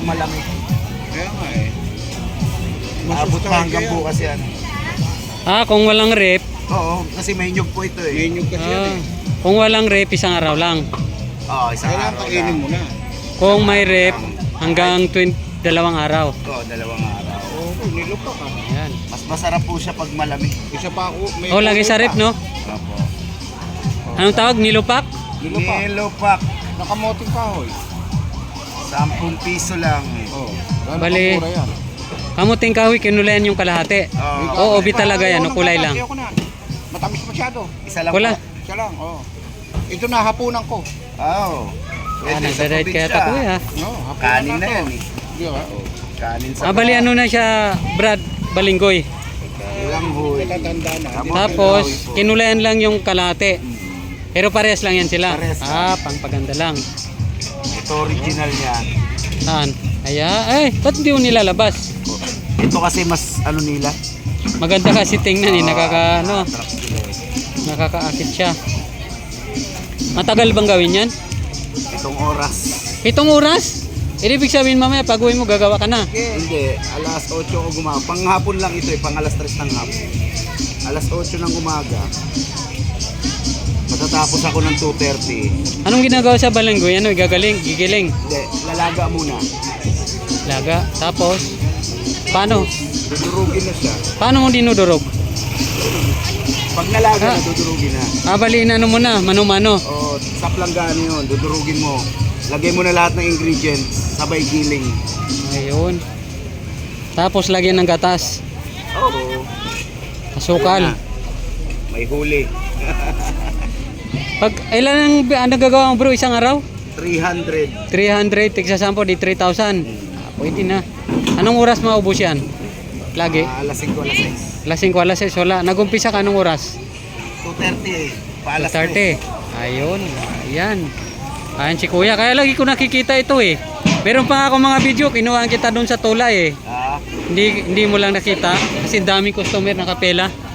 malamig. Kaya nga eh. Maabot pa hanggang bukas yan. Kung walang rep, Oo, kasi may nyug po ito eh. May inyong kasi yan eh. kung walang rep, isang araw lang. Oo, isang Kailangan araw kainin lang. mo na. Kung may rep, hanggang 2 araw. Oo, 2 araw. Oo, nilupa ka. Ayan. Mas masarap po siya pag malamig. Isa pa ako. May Lagi sa rep, no? Opo. Anong tawag? Nilupak? Nilupa. Nilupak. Nakamoting kahoy. 10 piso lang. Oo. Bali. Kamuting kahoy, kinulayan yung kalahati. Oo, ubi talaga yan, no? Kulay lang. Matamis masyado. Isa lang Wala. po. Isa lang, oo. Ito na hapunan ko. Oo. Nagda-diet kaya ito, kuya. No, hapunan Kanin na to. yan eh. Di ba? Oo. Kanin sa Bali ano na siya, Brad, balinggoy. lang hoy. Natatanda na. Tapos, kinulayan lang yung kalahati. Pero parehas lang yan sila. Parehas lang. Pangpaganda lang. Ito original niya. Saan? Ba't hindi mo nilalabas? Ito kasi mas ano nila. Maganda kasi tingnan eh, Sarap sila eh. nakakaakit siya. Matagal bang gawin yan? Itong oras. 7 oras? Ibig sabihin mamaya pag uwi mo gagawa ka na. Hindi, alas 8 ko gumaga. Panghapon lang ito eh, pang alas 3 ng hapon. Alas 8 ng umaga. Matatapos ako ng 2:30. Anong ginagawa sa balinggoy? Ano, gigiling? Hindi, lalaga muna. Laga. Tapos, paano? Dudurugin na siya. Paano mo dinudurog? Pag nalaga na, dudurugin na. Baliin ano mo na, mano-mano. O, sa planggana yun, dudurugin mo. Lagay mo na lahat ng ingredients, sabay giling. Ayun. Tapos lagyan ng gatas. Oo. Asukal. May huli. Pag ilan ang nagagawa mo bro isang araw? 300. 300, tigsa 10 di 3,000. Pwede na. Anong oras maubos yan? Lagi? Alas 5, alas 6. Alas 5, alas 6, wala. Nagumpisa ka anong oras? 2:30 eh. Paalas 30. Ayun. Ayan. Ayan si kuya. Kaya lagi ko nakikita ito eh. Meron pa nga ako mga video. Kinuhaan kita doon sa tulay eh. Hindi mo lang nakita. Kasi daming customer nakapela.